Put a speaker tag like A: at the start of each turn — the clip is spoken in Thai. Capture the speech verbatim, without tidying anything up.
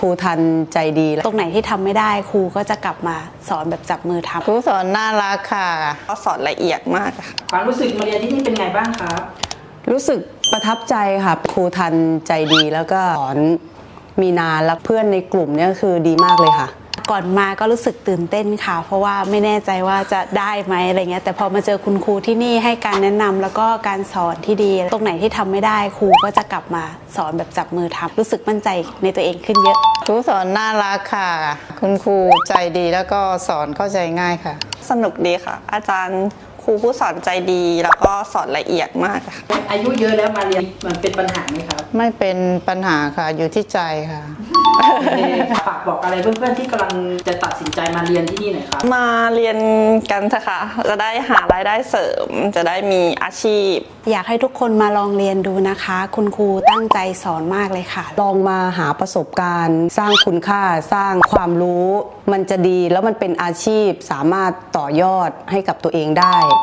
A: ครูทันใจดี
B: ตรงไหนที่ทำไม่ได้ครูก็จะกลับมาสอนแบบจับมือทำ
A: ครูสอนน่ารักค่ะ
C: ก็สอนละเอียดมากค่ะ
D: ความรู้สึกมาเรียนที่นี่เป็นไงบ้างครับ
A: รู้สึกประทับใจค่ะครูทันใจดีแล้วก็สอนมีนาและเพื่อนในกลุ่มเนี่ยคือดีมากเลยค่ะ
B: ก่อนมาก็รู้สึกตื่นเต้นค่ะเพราะว่าไม่แน่ใจว่าจะได้ไหมอะไรเงี้ยแต่พอมาเจอคุณครูที่นี่ให้การแนะนำแล้วก็การสอนที่ดีตรงไหนที่ทำไม่ได้ครูก็จะกลับมาสอนแบบจับมือทำรู้สึกมั่นใจในตัวเองขึ้นเยอะ
A: ครูสอนน่ารักค่ะคุณครูใจดีแล้วก็สอนเข้าใจง่ายค่ะ
C: สนุกดีค่ะอาจารย์ครูผู้สอนใจดีแล้วก็สอนละเอียดมากค่ะ
D: อายุเยอะแล้วมาเรียนมันเป็นปัญหาไหมครับ
A: ไม่เป็นปัญหาค่ะอยู่ที่ใจค่ะ
D: ฝากบอกอะไรเพื่อนๆที่กำลังจะตัดสินใจมาเรียนที่นี่หน่อยครับ
C: มาเรียนกันเถอะค่ะจะได้หารายได้เสริมจะได้มีอาชีพ
B: อยากให้ทุกคนมาลองเรียนดูนะคะคุณครูตั้งใจสอนมากเลยค่ะ
A: ลองมาหาประสบการณ์สร้างคุณค่าสร้างความรู้มันจะดีแล้วมันเป็นอาชีพสามารถต่อยอดให้กับตัวเองได้